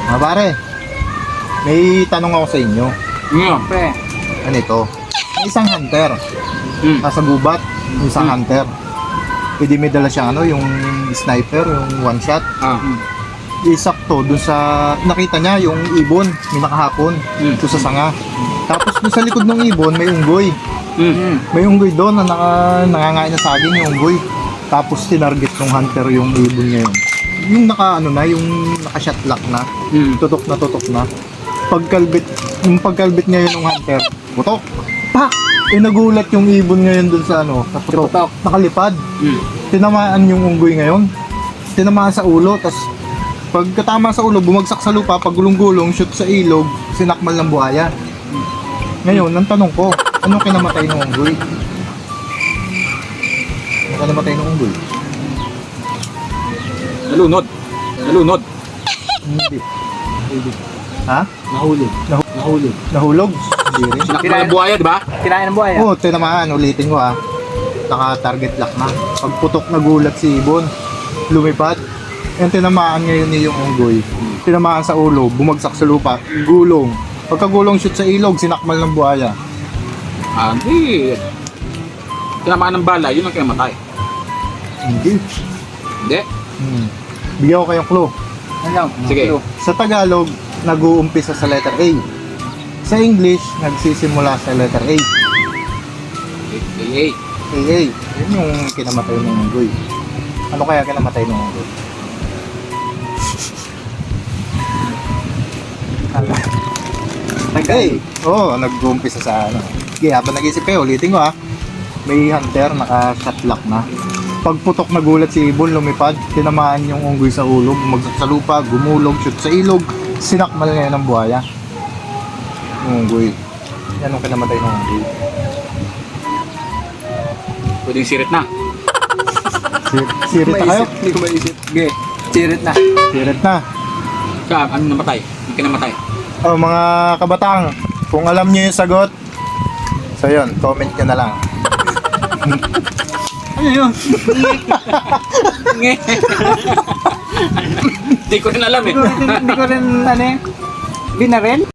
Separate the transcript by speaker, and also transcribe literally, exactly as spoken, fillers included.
Speaker 1: Mga pare, may tanong ako sa inyo.
Speaker 2: Mm.
Speaker 3: Pre.
Speaker 1: Ano ito? May isang hunter.
Speaker 2: Mm.
Speaker 1: Nasa gubat, yung isang
Speaker 2: Mm.
Speaker 1: hunter. Pwede may dala siyang ano, yung sniper, yung one shot.
Speaker 2: Ah.
Speaker 1: Isakto dun sa, nakita niya yung ibon, may nakahapon,
Speaker 2: Mm.
Speaker 1: doon sa sanga. Tapos dun sa likod ng ibon, may unggoy.
Speaker 2: Mm.
Speaker 1: May unggoy doon na naka, nangangain na saging yung unggoy. Tapos tinarget ng hunter yung ibon niya yun. Yung naka ano na, yung naka-shot lock na,
Speaker 2: Mm.
Speaker 1: tutok na tutok na. Pagkalbit, yung pagkalbit ngayon ng hunter, putok. Pak! Eh nagulat yung ibon ngayon dun sa ano, sa putok.
Speaker 2: Putok.
Speaker 1: Nakalipad.
Speaker 2: Mm.
Speaker 1: Tinamaan yung unggoy ngayon. Tinamaan sa ulo, tas pagkatama sa ulo, bumagsak sa lupa, pagulong-gulong, shoot sa ilog, sinakmal ng buhaya. Ngayon, ang tanong ko, ano kinamatay ng unggoy? Ano kinamatay ng unggoy?
Speaker 2: Nalunod. Nalunod.
Speaker 1: Hindi. Hindi. Ha?
Speaker 2: Nahulog.
Speaker 1: Nahu-
Speaker 2: Nahulog.
Speaker 1: Nahulog? Hindi rin.
Speaker 2: Sinakmal ng buhaya, di ba?
Speaker 3: Kinain ng buhay.
Speaker 1: Oo, tinamaan. Ulitin ko ha. Naka-target lock na. Pagputok na gulat si ibon, lumipad. Yung tinamaan ngayon ni yung unggoy. Tinamaan sa ulo, bumagsak sa lupa, gulong. Pagkagulong shoot sa ilog, sinakmal ng buhaya.
Speaker 2: Ah, hindi. Tinamaan ng bala, yun ang kinamatay.
Speaker 1: Hindi.
Speaker 2: Hindi.
Speaker 1: Hmm. Bigyan ko kayong clue.
Speaker 3: Ano lang?
Speaker 2: Sige.
Speaker 3: Clue.
Speaker 1: Sa Tagalog, nag-uumpisa sa letter A. Sa English, nagsisimula sa letter A.
Speaker 2: A A.
Speaker 1: A A. Yun yung kinamatay ng unggoy. Ano kaya kinamatay ng unggoy? Ano?
Speaker 3: Tagal.
Speaker 1: Oo, oh, nag-uumpisa sa ano. Sige, habang nag-isip kayo, ulitin ko ha. May hunter, naka-shot lock na. Pagputok na gulat si ibon, lumipad, tinamaan yung unggoy sa ulo, bumagsak sa lupa, gumulog, shoot sa ilog, sinakmal ngayon ng buhaya. Yung unggoy. Yan ang kinamatay ng unggoy.
Speaker 2: Pwedeng sirit na.
Speaker 1: Sir, sirit na kayo?
Speaker 3: Hindi ko maisip. Sige. Sirit na.
Speaker 1: Sirit na.
Speaker 2: Siya, ano namatay? Yung kinamatay.
Speaker 1: Oh, mga kabatang, kung alam niyo yung sagot, so yun, comment nyo na lang.
Speaker 2: Ano yun? Hindi ko rin alam eh.
Speaker 3: Hindi ko rin, hindi ko rin, ano eh, binaril.